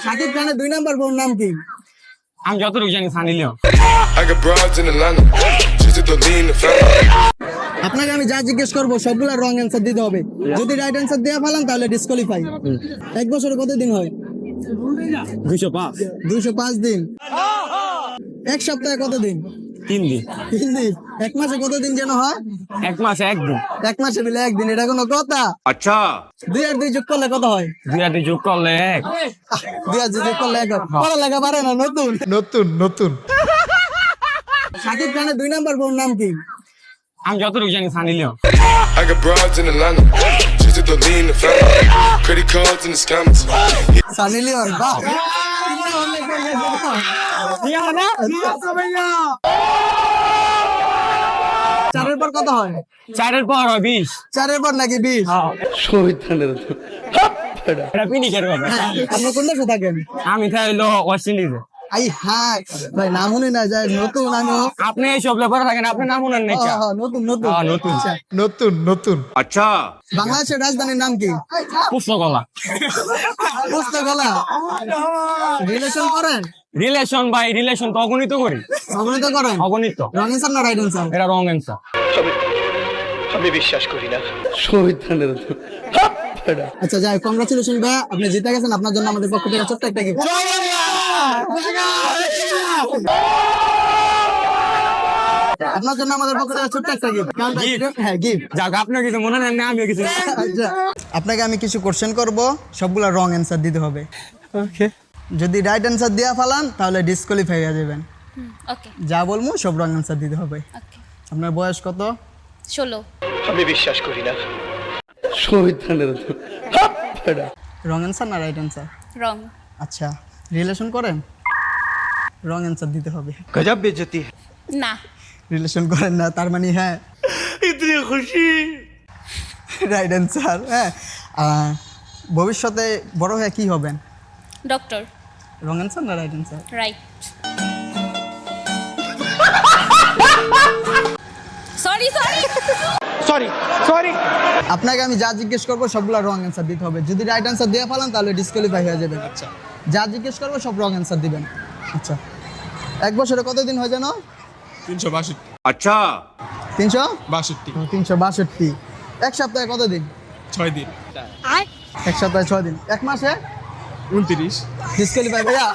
শাকিব খানের 2 নাম্বার বোন নাম কি? আমি যতটুকু জানি Sunny Leone. I got broads in Atlanta. Just to lean the family. আপনাকে আমি যা জিজ্ঞেস করবো সবগুলা রং অ্যান্সার দিতে হবে। যদি রাইট অ্যান্সার দিয়ে ফেলান তাহলে ডিসকোয়ালিফাই। 1 বছরে কত দিন হয়? 205 205 দিন। 1 সপ্তাহে কত দিন? 3 দিন। 3 দিন। 1 মাসে কত দিন যেন হয়? 1 মাসে 1 দিন। 1 মাসে মিলে 1 দিন, এটা কোনো কথা? Acha. 2 আর 2 যোগ করলে কত হয়? 2 আর 2 যোগ করলে 1। 2 আর 2 যোগ করলে 1 হয়। পড়ালেখা পারে না নতুন। শাকিব খানের 2 নাম্বার বোন নাম কি? আমি যতটুকু জানি Sunny Leone. I got broads in Atlanta. Just to lean the family. Credit cards and the scammers. Sunny Leone. বাহ, চারের পর কত হয়? 4 পর হয় 20। 4 পর নাকি 20? এটা পিনিকের কথা। আপনি কোন দেশে থাকেন? আমি থাইলো ওয়েস্ট ইন্ডিজে। আই হাই ভাই, নাম শুনি না যায় নতুন। আমি আপনি এই সব লেবার থাকেন, আপনি নাম শুনেন নাকি? নতুন। নতুন। Acha. বাংলাদেশের রাজধানীর নাম কি? পুস্তকলা। পুস্তকলা। রিলেশন করেন? রিলেশন ভাই, রিলেশন তো অগণিত করি। অগণিত করেন? অগণিত। রং অ্যান্সার না রাইট অ্যান্সার? এটা রং অ্যান্সার। আমি বিশ্বাস করি না। আচ্ছা যাই, কংগ্রাচুলেশন ভাই, আপনি জিতে গেছেন। আপনার জন্য আমাদের পক্ষ থেকে ছোট্ট একটা গিফট। আপনার জন্য আমাদের পক্ষ থেকে ছোট্ট একটা গিফট। হ্যাঁ, গিফট। যাক, আপনার কিছু মনে নেন না, আমিও কিছু। আচ্ছা, আপনাকে আমি কিছু কোশ্চেন করব, সবগুলা রং অ্যান্সার দিতে হবে। ওকে। যদি রাইট অ্যান্সার দিয়া ফেলান তাহলে ডিসকোয়ালিফাই হয়ে যাবেন। ওকে যা বলবো সব রং অ্যান্সার দিতে হবে। ওকে আপনার বয়স কত? 16 আমি বিশ্বাস করি না। রং অ্যান্সার না রাইট অ্যান্সার? রং আচ্ছা, রিলেশন করেন? রং অ্যান্সার দিতে হবে। গজব বেজতি। না রিলেশন করেন না, তার মানে হ্যাঁ ইতনি খুশি। Right answer. হ্যাঁ, ভবিষ্যতে বড় হয়ে কি হবেন? ডক্টর রং অ্যান্সার না রাইট অ্যান্সার? রাইট সরি আপনাকে আমি যা জিজ্ঞেস করবো সবগুলো রং অ্যান্সার দিতে হবে। যদি রাইট অ্যান্সার দিয়ে ফেলান তাহলে ডিসকোয়ালিফাই হয়ে যাবেন। আচ্ছা, যা জিজ্ঞেস করবো সব রং অ্যান্সার দিবেন। আচ্ছা, 1 বছরে কত দিন হয় জানো? 362 Acha. 362। 362। 1 সপ্তাহে কত দিন? 6 দিন 1 সপ্তাহে 6 দিন। 1 মাসে 29 ডিসকোয়ালিফাই ভাইয়া।